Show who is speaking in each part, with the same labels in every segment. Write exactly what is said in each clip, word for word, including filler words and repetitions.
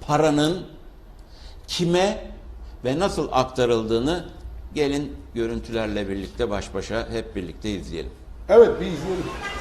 Speaker 1: paranın kime ve nasıl aktarıldığını gelin görüntülerle birlikte baş başa hep birlikte izleyelim.
Speaker 2: Evet, bir izleyelim.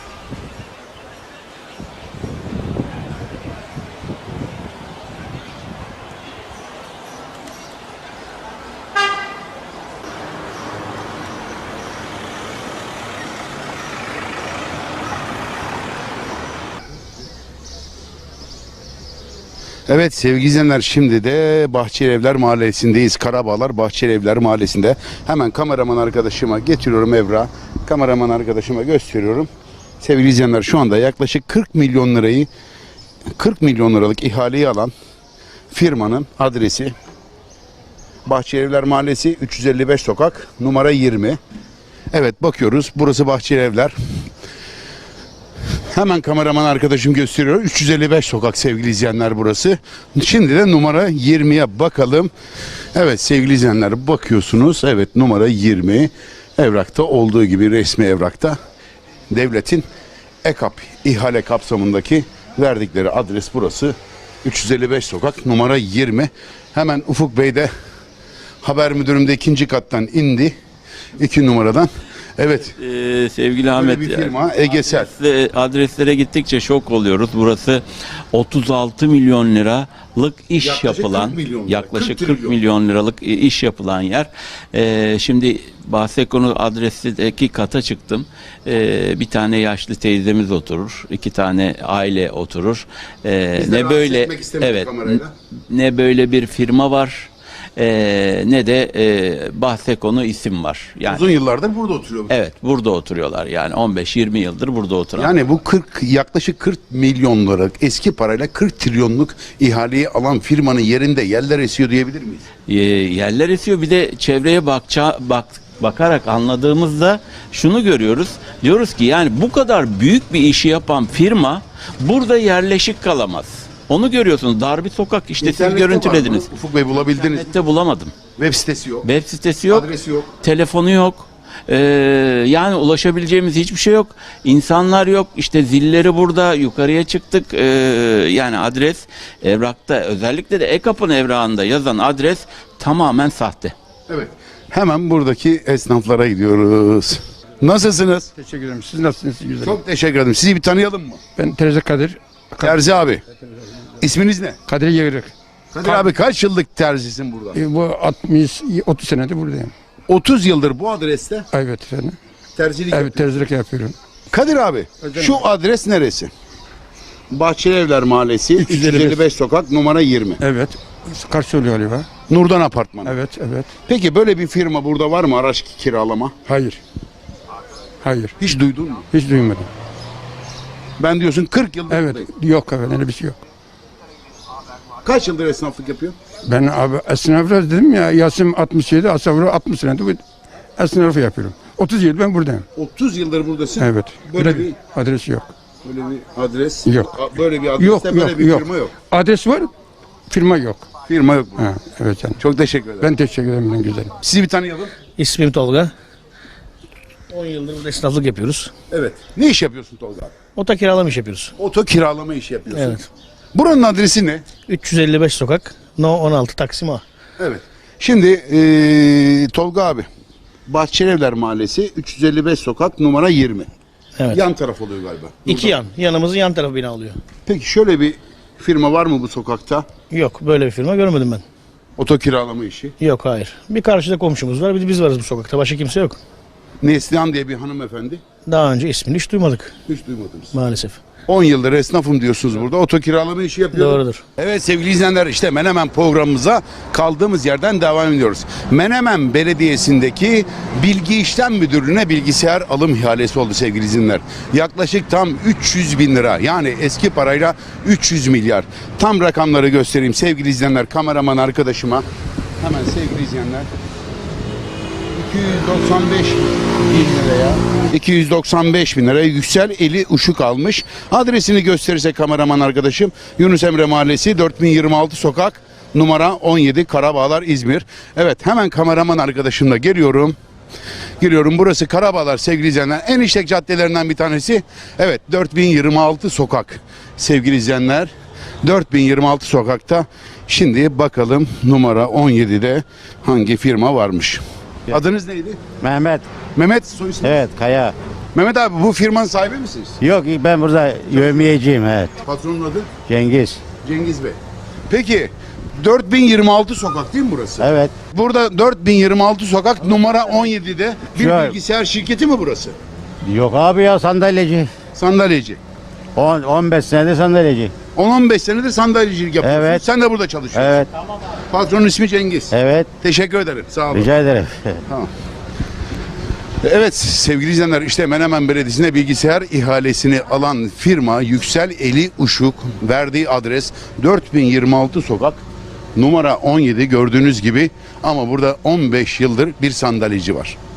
Speaker 2: Evet sevgili izleyenler, şimdi de Bahçelievler Mahallesi'ndeyiz. Karabağlar Bahçelievler Mahallesi'nde. Hemen kameraman arkadaşıma getiriyorum Evra. Kameraman arkadaşıma gösteriyorum. Sevgili izleyenler, şu anda yaklaşık kırk milyon lirayı kırk milyon liralık ihaleyi alan firmanın adresi Bahçelievler Mahallesi, üç yüz elli beş sokak, numara yirmi. Evet, bakıyoruz. Burası Bahçelievler. Hemen kameraman arkadaşım gösteriyor. üç yüz elli beş sokak sevgili izleyenler burası. Şimdi de numara yirmiye bakalım. Evet sevgili izleyenler, bakıyorsunuz. Evet, numara yirmi. Evrakta olduğu gibi, resmi evrakta devletin EKAP ihale kapsamındaki verdikleri adres burası. üç yüz elli beş sokak, numara yirmi. Hemen Ufuk Bey de haber müdürüm de ikinci kattan indi. iki numaradan. Evet.
Speaker 1: Ee, sevgili Ahmet,
Speaker 2: bir firma Egesel.
Speaker 1: Adresle, adreslere gittikçe şok oluyoruz. Burası otuz altı milyon liralık iş
Speaker 2: Yaklaşık
Speaker 1: yapılan,
Speaker 2: kırk milyon lira,
Speaker 1: yaklaşık
Speaker 2: kırk
Speaker 1: kırk
Speaker 2: trilyon.
Speaker 1: milyon liralık iş yapılan yer. Ee, şimdi Bahsekonu adresteki kata çıktım. Ee, bir tane yaşlı teyzemiz oturur, iki tane aile oturur. Ee,
Speaker 2: Biz de
Speaker 1: ne
Speaker 2: rahatsız
Speaker 1: böyle,
Speaker 2: etmek istemedik
Speaker 1: evet,
Speaker 2: kamerayla.
Speaker 1: ne böyle bir firma var. Ee, ne de e, Bahsekonu isim var. Yani
Speaker 2: Uzun yıllardır burada oturuyor.
Speaker 1: evet, burada oturuyorlar. Yani on beş yirmi yıldır burada oturan.
Speaker 2: Yani bu kırk, yaklaşık kırk milyon liralık eski parayla kırk trilyonluk ihaleyi alan firmanın yerinde yerler esiyor diyebilir miyiz?
Speaker 1: Ee, yerler esiyor. Bir de çevreye bakça, bak, bakarak anladığımızda şunu görüyoruz. Diyoruz ki yani bu kadar büyük bir işi yapan firma burada yerleşik kalamaz. Onu görüyorsunuz. Dar bir sokak, işte siz
Speaker 2: İnternette
Speaker 1: görüntülediniz.
Speaker 2: var mı? Ufuk Bey, bulabildiniz mi?
Speaker 1: İnternette bulamadım.
Speaker 2: Web sitesi yok.
Speaker 1: Web sitesi yok.
Speaker 2: Adresi yok.
Speaker 1: Telefonu yok. Ee, yani ulaşabileceğimiz hiçbir şey yok. İnsanlar yok. İşte zilleri burada. Yukarıya çıktık. Ee, yani adres evrakta, özellikle de EKAP'ın evrağında yazan adres tamamen sahte.
Speaker 2: Evet. Hemen buradaki esnaflara gidiyoruz. Nasılsınız?
Speaker 3: Teşekkür ederim. Siz nasılsınız? Güzel.
Speaker 2: Çok teşekkür ederim. Sizi bir tanıyalım mı?
Speaker 3: Ben Terzi Kadir.
Speaker 2: Terzi abi. İsminiz ne?
Speaker 3: Kadir Yığırık.
Speaker 2: Kadir abi, kaç yıllık terzisin burada?
Speaker 3: E, bu altmış otuz senedir buradayım.
Speaker 2: otuz yıldır bu adreste
Speaker 3: Evet efendim.
Speaker 2: terzilik
Speaker 3: Evet,
Speaker 2: yapıyorsun.
Speaker 3: terzilik yapıyorum.
Speaker 2: Kadir abi, şu adres neresi? Bahçelievler Mahallesi, üç yüz elli beş sokak, numara yirmi.
Speaker 3: Evet. Karşı oluyor galiba.
Speaker 2: Nurdan Apartmanı.
Speaker 3: Evet, evet.
Speaker 2: Peki böyle bir firma burada var mı, araç kiralama?
Speaker 3: Hayır. Hayır.
Speaker 2: Hiç duydun mu?
Speaker 3: Hiç duymadım.
Speaker 2: Ben diyorsun kırk yıldır
Speaker 3: Evet.
Speaker 2: buradayım.
Speaker 3: Yok efendim, öyle bir şey yok.
Speaker 2: Kaç yıldır esnaflık yapıyor?
Speaker 3: Ben abi esnaflar dedim ya, Yasim altmış yedi, Asavru altmış senedir bu esnafı yapıyorum. otuz yıl ben buradayım.
Speaker 2: otuz yıldır buradasın.
Speaker 3: Evet.
Speaker 2: Böyle
Speaker 3: Böyle
Speaker 2: bir
Speaker 3: bir adres yok.
Speaker 2: böyle bir adres
Speaker 3: Yok.
Speaker 2: a- Böyle bir adreste
Speaker 3: Yok,
Speaker 2: böyle
Speaker 3: yok,
Speaker 2: bir
Speaker 3: yok.
Speaker 2: firma yok.
Speaker 3: Adres var, firma yok.
Speaker 2: Firma yok.
Speaker 3: Ha, evet canım.
Speaker 2: Çok teşekkür ederim.
Speaker 3: Ben teşekkür ederim, benim güzelim.
Speaker 2: Sizi bir tanıyalım.
Speaker 4: İsmim Tolga. on yıldır burada esnaflık yapıyoruz.
Speaker 2: Evet. Ne iş yapıyorsun Tolga abi?
Speaker 4: Oto kiralama iş yapıyoruz.
Speaker 2: Oto kiralama işi yapıyorsun.
Speaker 4: Evet.
Speaker 2: Buranın adresi ne?
Speaker 4: üç yüz elli beş sokak, No on altı Taksim A.
Speaker 2: Evet. Şimdi eee, Tolga abi, Bahçelievler Mahallesi, üç yüz elli beş sokak, numara yirmi.
Speaker 4: Evet.
Speaker 2: Yan taraf oluyor galiba.
Speaker 4: İki yan. Yanımızın yan tarafı bina oluyor.
Speaker 2: Peki şöyle bir firma var mı bu sokakta?
Speaker 4: Yok, böyle bir firma görmedim ben.
Speaker 2: Oto kiralama işi.
Speaker 4: Yok, hayır. Bir karşıda komşumuz var, bir de biz varız bu sokakta. Başka kimse yok.
Speaker 2: Neslihan diye bir hanımefendi.
Speaker 4: Daha önce ismini hiç duymadık
Speaker 2: Hiç duymadınız.
Speaker 4: maalesef.
Speaker 2: on yıldır esnafım diyorsunuz burada. Oto kiralama işi yapıyorum.
Speaker 4: Doğrudur.
Speaker 2: Evet sevgili izleyenler, işte Menemen programımıza kaldığımız yerden devam ediyoruz. Menemen Belediyesi'ndeki Bilgi İşlem Müdürlüğü'ne bilgisayar alım ihalesi oldu sevgili izleyenler. Yaklaşık tam üç yüz bin lira, yani eski parayla üç yüz milyar. Tam rakamları göstereyim sevgili izleyenler, kameraman arkadaşıma. Hemen sevgili izleyenler. iki yüz doksan beş bin liraya iki yüz doksan beş bin liraya Yüksel Eli Uşuk almış. Adresini gösterirse kameraman arkadaşım, Yunus Emre Mahallesi, dört bin yirmi altı sokak, numara on yedi, Karabağlar, İzmir. Evet, hemen kameraman arkadaşımla geliyorum. Giriyorum. Burası Karabağlar sevgili izleyenler. En işlek caddelerinden bir tanesi. Evet, dört bin yirmi altı sokak sevgili izleyenler. dört bin yirmi altı sokakta. Şimdi bakalım numara on yedide hangi firma varmış. Adınız neydi?
Speaker 5: Mehmet.
Speaker 2: Mehmet soy ismi?
Speaker 5: Evet, Kaya.
Speaker 2: Mehmet abi bu firmanın sahibi misiniz?
Speaker 5: Yok, ben burada yövmiyeciyim, evet.
Speaker 2: Patronun adı?
Speaker 5: Cengiz.
Speaker 2: Cengiz Bey. Peki dört bin yirmi altı sokak değil mi burası?
Speaker 5: Evet.
Speaker 2: Burada dört bin yirmi altı sokak numara on yedide bir
Speaker 5: Şu an-
Speaker 2: bilgisayar şirketi mi burası?
Speaker 5: Yok abi ya, sandalyeci.
Speaker 2: Sandalyeci.
Speaker 5: on on beş senedir sandalyeci.
Speaker 2: on on beş senedir sandalyecilik yapıyorsun.
Speaker 5: Evet.
Speaker 2: Sen de burada çalışıyorsun.
Speaker 5: Evet.
Speaker 2: Patronun ismi Cengiz.
Speaker 5: Evet.
Speaker 2: Teşekkür ederim. Sağ olun.
Speaker 5: Rica ederim.
Speaker 2: Evet sevgili izleyenler, işte Menemen Belediyesi'ne bilgisayar ihalesini alan firma Yüksel Eli Uşuk, verdiği adres dört bin yirmi altı sokak numara on yedi, gördüğünüz gibi, ama burada on beş yıldır bir sandalyeci var.